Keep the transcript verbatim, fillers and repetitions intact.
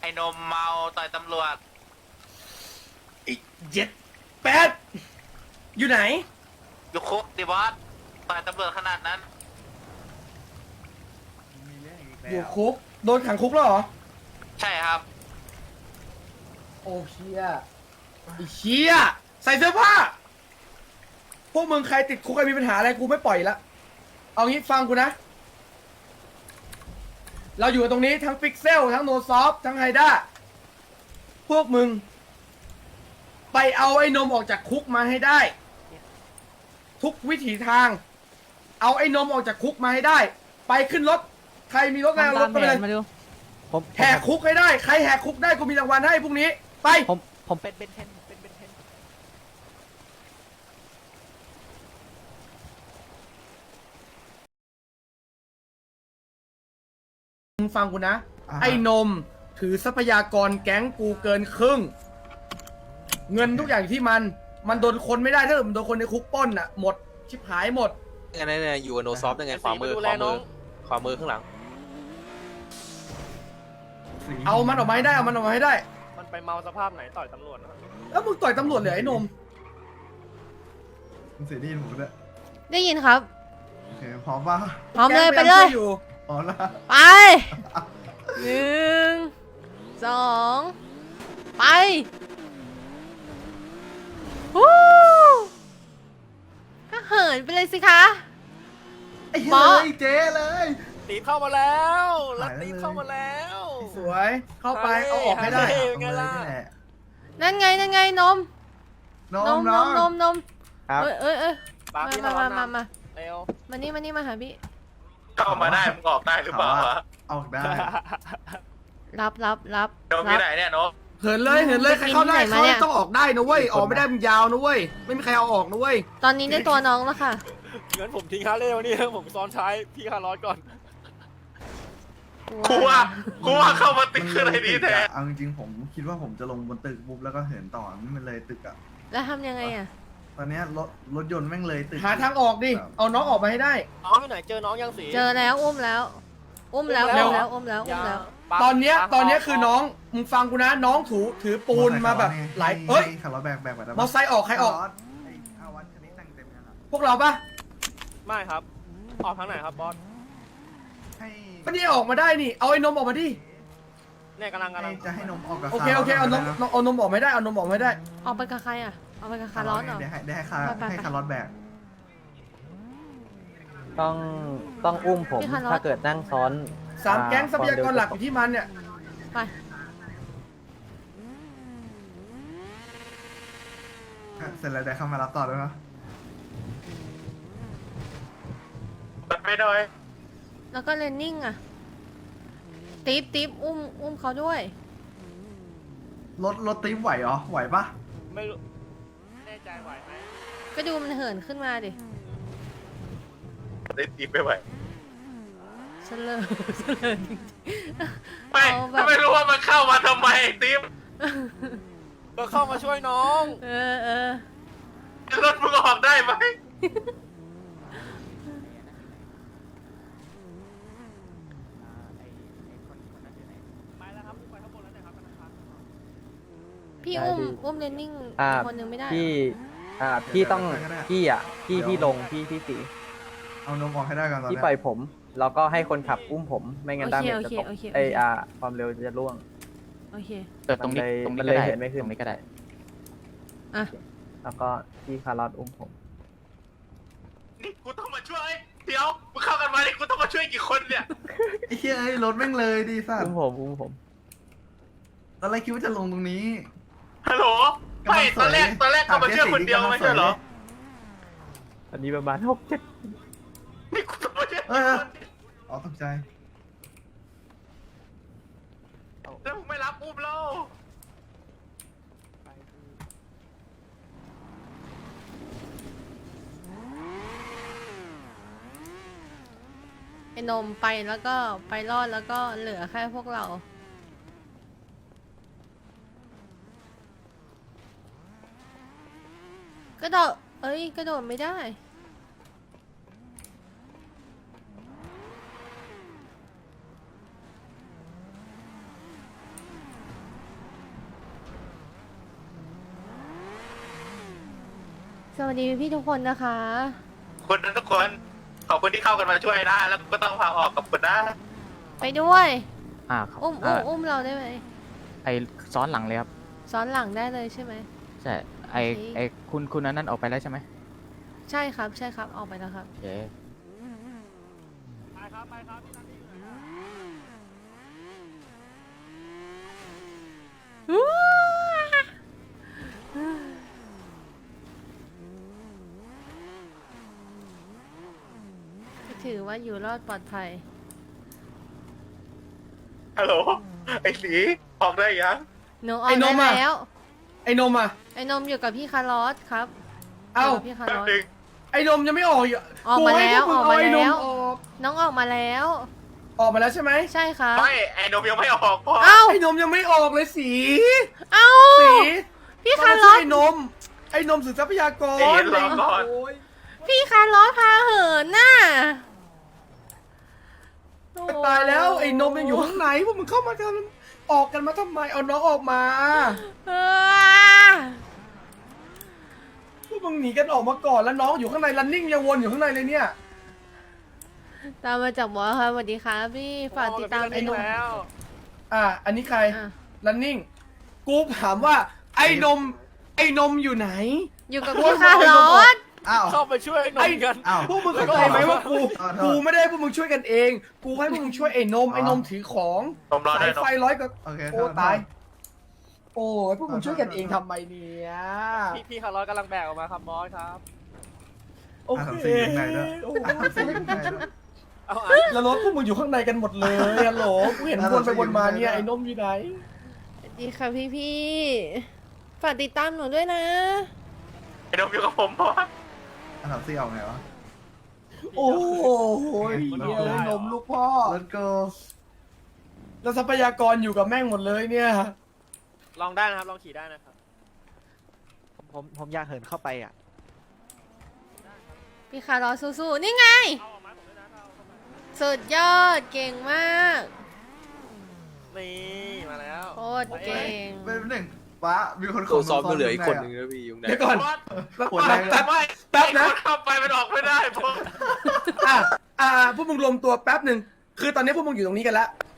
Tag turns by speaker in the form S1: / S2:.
S1: นมเมาต่อยตำรวจ
S2: อีกเจ็ดแปดอยู่ไหน
S1: อยู่คุกดิบอสต่อยตำรวจขนาดนั้น
S2: อยู่คุกโดนขังคุกแล้วเหรอ
S1: ใช่ครับ
S2: โอ้เชี่ยไอ้เชี่ยใส่เสื้อผ้าพวกมึงใครติดคุกใครมีปัญหาอะไรกูไม่ปล่อยละเอางี้ฟังกูนะเราอยู่ตรงนี้ทั้งฟิกเซลทั้งโนซอฟทั้งไฮด้าพวกมึงไปเอาไอ้นมออกจากคุกมาให้ได้ทุกวิถีทางเอาไอ้นมออกจากคุกมาให้ได้ไปขึ้นรถใครมีรถอะไรเอารถไปเลย
S3: ผม
S2: แหกคุกให้ได้ใครแหกคุกได้กูมีรางวัลให้พรุ่งนี้ไป
S3: ผมผมเป็นเบนเทนเป็นเบนเทน
S2: มึงฟังกูนะไอ้นมถือทรัพยากรแก๊งกูเกินครึ่งเงินทุกอย่างที่มันมันโดนคนไม่ได้ถ้าเกิดมันโดนคนในคุกป้นอ่ะหมดชิบหายหมด
S4: ยังไงเนี่ยอยู่กับโนซอฟยังไงขวามือขวามือขวามือข้างหลัง
S2: เอามันออกมาให้ได้เอามันออกมาให้ได้
S5: มันไปเมาสภาพไหนต่อยตำรวจนะ
S2: แล้วมึงต่อยตำรวจเหรอไอ้นม
S6: มึงเสียดีนผมด้วย
S7: ได้ยินครับ
S6: โอเคพร้อมป่ะ
S7: พร้อมเลยไปเลย
S6: พร้อมละ
S7: ไปหนึ่งสองไปฮู้ก็เหินไปเลยสิคะ
S6: ไอ้เฮ้ยเจ๊เลย
S5: ตีเข้ามาแล้วแล้วตีเข้ามาแล้ว
S2: สวยเข้าไปเอาออกให้ได้
S5: ไงล่ะ
S7: นั่นไงนั่นไงนม
S6: น
S7: นมนมนมนม
S3: ครับ
S7: เอ้ยเอ้ยเอ้ยมามามามา
S5: เร็ว
S7: มานี่มานี่มาหาพี่
S1: เข้ามาได้มึงออกได้หรือเปล่าวะ
S6: ออกได้
S7: รับรับรับ
S1: โดนที่ไหนเนี่ยโน้
S2: เหินเลยเหินเลยใครเข้าได้เขาต้องออกได้นะเว้ยออกไม่ได้มันยาวนะเว้ยไม่มีใครเอาออกนะเว้ย
S7: ตอนนี้ได้ตัวน้องแล้วค่ะ
S5: งั้นผมทิ้งฮาร์เลย์วันนี้ผมซ้อนท้ายพี่คาร์ลอสก่อน
S1: กูว่ากูว่าเข้ามาติดขึ้นอะไรดีแท้
S6: เอาจริงๆผมคิดว่าผมจะลงบนตึกปุ๊บแล้วก็เหินต่อนี่มันเลยตึกอ่ะ
S7: แล้วทำยังไงอ่ะ
S6: ตอนนี้รถรถยนต์แม่งเลยตึก
S2: หาทางออกดิเอาน้องออกมาให้ได้
S5: น้องอยู่ไหนเจอน้องยังสี
S7: เจอแล้วอุ้มแล้วอุ้มแล้วอุ้มแล้วอุ้มแล้วอุ้มแล้ว
S2: ตอนเนี้ยตอนเนี้ยคือน้องมึงฟังกูนะน้องถูถือปูนมาแบบหลายเอ้ย
S6: ขับรถแบกแบกแบบ
S2: มอไซค์ออกใครออกพวกเราปะ
S5: ไม่ครับออกทางไหนครับบอส
S2: ไม่ได้ออกมาได้นี่เอาไอ้นมออกมาดิ
S5: เนี่ยกำลังกำลัง
S6: จะให้นมออกกับ
S2: โอเคโอเคเอานมเอานมออกไม่ได้เอานมออกไม่ได้
S7: ออกไปกับใครอ่ะเอาไปกับคาร์ลอสเหรอ
S6: ได้ให้ได้ให้คาให้คาร์ลอสแบก
S3: ต้องต้องอุ้มผมถ้าเกิดนั่งซ้อน
S2: สามแก๊งทรัพยากรหลักอยู่ที่มันเนี่ย
S7: ไป
S6: เสร็จแล้วได้เข้ามารับต่อด้วยนะ
S1: ไม่ได้
S7: แล้วก็เลนนิ่งอ่ะติ๊บติ๊บอุ้มอุ้มเขาด้วย
S6: รถรถติ๊บไหวเหรอไหวปะ
S5: ไม่รู้แน่ใจไหวไหม
S7: ก็ดูมันเหินขึ้นมาดิ
S1: ได้ติ๊บไปไหว
S7: เฉลิมเฉลิมจริงๆ
S1: ไม่ไม่รู้ว่ามันเข้ามาทำไมติ๊บ
S5: ก็เข้ามาช่วยน้อง
S7: เออเออ
S1: รถมึงออกได้ไหม
S7: พี่อุ้มอุ้มเลนนิ่งคนนึงไม่ได้
S3: พี่อ่าพี่ต้องพี่อ่ะพี่พี่ลงพี่พี่สี
S6: เอานมออกให้ได้ก่อนตอนนี้
S3: พี่ปล่อยผมแล้วก็ให้คนขับอุ้มผมไม่งั้นด้ามจะตกไออ่าความเร็วจะล่วง
S7: โอเค
S3: แต่ตรงนี้ตรงนี้ก็ได้ไม่ขึ้นตรงนี้ก็ได้
S7: อ่ะ
S3: แล้วก็พี่คาร์ลอสอุ้มผม
S1: นี่กูต้องมาช่วยเดี๋ยวมึงเข้ากันมาดิกูต้องมาช่วยกี่คนเนี่ย
S6: ไอ้เหี้ยไอ้รถแม่งเลยดิสัตว์
S3: อุ้มผมอุ้มผม
S6: ตอนแรกคิดว่าจะลงตรงนี้
S1: ฮัลโหลไม่ตอนแรกตอนแรกก็มาช่วยคนเดียวไม่ใช่เหรอ
S3: อันนี้ประมาณหกเจ็ด
S1: นี่กูต้องมาช่วย
S6: เอออ๋อตกใจ
S1: แล้วมึงไม่รับอุ้มเรา
S7: ไอ้นมไปแล้วก็ไปรอดแล้วก็เหลือแค่พวกเรากระโดดเอ้ยกระโดดไม่ได้วัสดีพี่ทุกคนนะคะ
S1: คนนั้นทุกคนขอบคุณที่เข้ากันมาช่วยนะแล้วก็ต้องพาออกกับคุณนะ
S7: ไปด้วย
S8: อ่าครับ
S7: อุ้มอุ้
S8: อ่าม
S7: อุ้มเราได้ไหม
S8: ไอซ้อนหลังเลยครับ
S7: ซ้อนหลังได้เลยใช่ไหม
S8: ใช่ไอ
S7: โอเค
S8: ไอคุณคุณนั้นนั่นออกไปแล้วใช่ไหม
S7: ใช่ครับใช่ครับออกไปแล้วครับ
S8: โอเค
S5: ไปครับไปครับพี่นันนี่อยู่ไหนครับ
S7: ถือว่าอยู่รอดปลอดภัย
S1: ฮัลโหลไอ้สีออกได้ยัง
S7: หนูออกได้แล้ว
S2: ไอ้นมอ่ะ
S7: ไอ้นมอยู่กับพี่คาร์ลอสครับ
S2: เอ้า
S7: ยู่กับพี่คาร์
S1: แป๊
S7: ล
S1: บ
S7: อส
S1: นึง
S2: ไอ้นมยังไม่ออกอยู่
S7: ออกมาแล้ว
S2: กู
S7: ออก
S2: ให้
S7: มา
S2: พกงเไอ้น
S7: แล้ว
S2: ออก
S7: น้องออกมาแล้ว
S2: ออกมาแล้วใช่ไหม
S7: ใช่ครับ
S1: ไม่ไอ้นมยังไม่ออกพ่อ
S7: เอ้า
S2: ไอ้นมยังไม่ออกเลยสี
S7: เอ้า
S2: สี
S7: พี่
S2: ต้
S7: คา
S2: อง
S7: ร์
S2: มา
S7: ล
S2: ช่
S7: อ
S2: วย
S7: ส
S2: ไอ้นม ไอ้นมสื่อทรัพยากร
S1: เอ็นรอก่อน
S2: โย
S7: พี่คาร์ลอสพาเหินน่ะ
S2: ตายแล้วไอ้นมยังอยู่ข้างในพวกมึงเข้ามาทำออกกันมาทำไมเอาน้องออกมา
S7: เออ
S2: พวกมึงหนีกันออกมาก่อนแล้วน้องอยู่ข้างในรันนิ่งยังวนอยู่ข้างในเลยเนี่ย
S7: ตามมาจากหมอครับสวัสดีครับพี่ฝากติดตาม
S5: ไอ้นมแล้ว
S2: อ่ะอันนี้ใคร
S7: อ่ะ
S2: รันนิ่งกูถามว่า ไอ้นม ไอ้นมอยู่ไหน
S7: อยู่กับพี่คาร์ลอส
S6: อ้าว
S5: เข้าไปช่วยไอ้นมกัน
S6: อ้าว
S2: พวกมึงเข้าใจไหมว่ากู
S6: ขอโทษ
S2: กูไม่ได้ให้พวกมึงช่วยกันเอง กูให้พวกมึงช่วยไอ้นม ไอ้นมถือของ
S1: นมรอได้
S2: สาย
S1: นม
S2: ไฟร้อยก็
S6: โอเค
S2: โอ้ตาย โอ้ยพวกมึงช่วยกันเองทำไมเนี่ย
S5: พี่พี่คาร์ลอสกำลังแบกออกมาครับบอสครับ
S2: โอ
S6: อ่ะ
S2: เค
S6: ทำสีอยู่ไหนด้วย
S2: โอ้
S6: อ่ะทำสีอยู่ไหนด้วย
S5: เอาอ่ะ
S2: แล้วรถพวกมึงอยู่ข้างในกันหมดเลยฮัลโหลกูเห็นวนไปวนมาเนี่ยไอ้นมอยู่ไหน
S7: สวัสดีค่ะพี่พี่ฝากติดตามหนูด้วยนะ
S1: ไอ้นมอยู่กับผมพ่อ
S6: อ่ะทำสีออกไงวะ
S2: โอ้โหเหี้ยไอ้นมลูกพ่อ
S6: Let's go
S2: แล้วทรัพยากรอยู่กับแม่งหมดเลยเนี่ย
S5: ลองได้นะครับลองขี่ได้นะครับ
S3: ผมผมอยากเหินเข้าไปอ่ะ
S7: พี่คาร์ลอสสู้ๆนี่ไง
S5: เอาออกมาผมด้วยนะเอาเข้ามา
S7: สุดยอดเก่งมาก
S5: นี่มาแล้ว
S7: โคตรเก่ง
S6: เป็นหนึ่งป้ามีคนข
S4: ตั
S6: อ
S4: ว
S6: ง
S4: ซ้อมก็เหลืออีกคน
S6: ข้า
S4: หนึ่ง
S6: ใะ
S4: นะพี่ยุงไหน
S2: เดี๋ยวก่อน
S1: พ่อ
S2: แป๊บแป๊บแป๊บ
S1: ไม่
S2: แป๊บนะ
S1: ไอ้คเข้าไปมันออกไม่ได้พ่อ
S2: อ่ะอ่ะพวกมึงรวมตัวแป๊บหนึ่งคือตอนนี้พวกมึงอยู่ตรงนี้กันแล้ว